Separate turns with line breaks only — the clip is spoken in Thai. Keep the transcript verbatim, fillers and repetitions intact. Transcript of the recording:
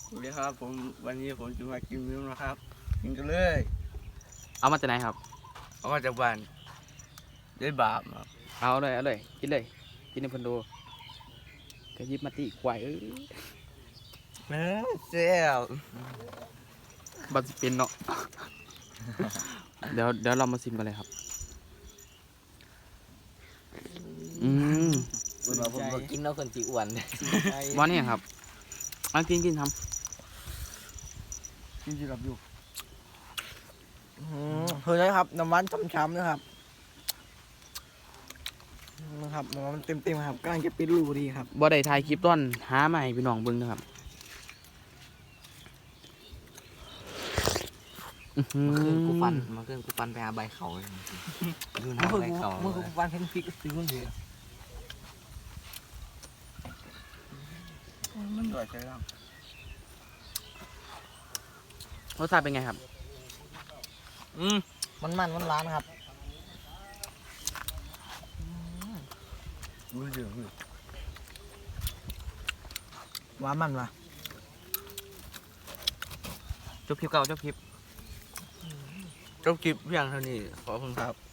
สวัสดีครับผมวันนี้ผมจะมากินมิ้วนะครับกินกันเลย
เอามาจากไหนครับ
เอามาจากบ้านได้บาปครับ
เอาเลยเอาเลยกินเลยกินในพันโดก็ยิบมาตีควายเอ้ย
แม่เจ้า
บัสเป็นเนาะ เดี๋ยวเดี๋ยวเรามาซิมกันเลยครับอืม
คุณว่าผมบ่กินแล้วคนจีอ้วน
ว่านี่ครับเอากินกินท
กินจีรับอยู่
เฮ้ยนะครับน้ำมันช้ำๆนะครับนะครับน้ำมันเต็มๆครับกำลังจะปิดรูดีครับ
ำบ่ได้ถ่ายคลิปต้นหาใหม่พี่น้องเบิ่งนะครับอื้อหื
เมื่อคืนกูฟัน
อ
เมื่อคืนกูฟันไปหาใบเขาเลยดู
เมื่อ
น้ำ
คืน
ใบ
กู
เขา
เมื่อคืนกูวางเห็นพริกสีมันเหลือง
มันด่อยใจร่าง
รสชาติเป็นไงครับ
อืม
มันมันมันร้านครับ
รู้เรื่องอยู่
หวานมันวะ
จบคลิปเก่าจบคลิป
จบคลิปเพียงเท่านี้ขอบคุณครับ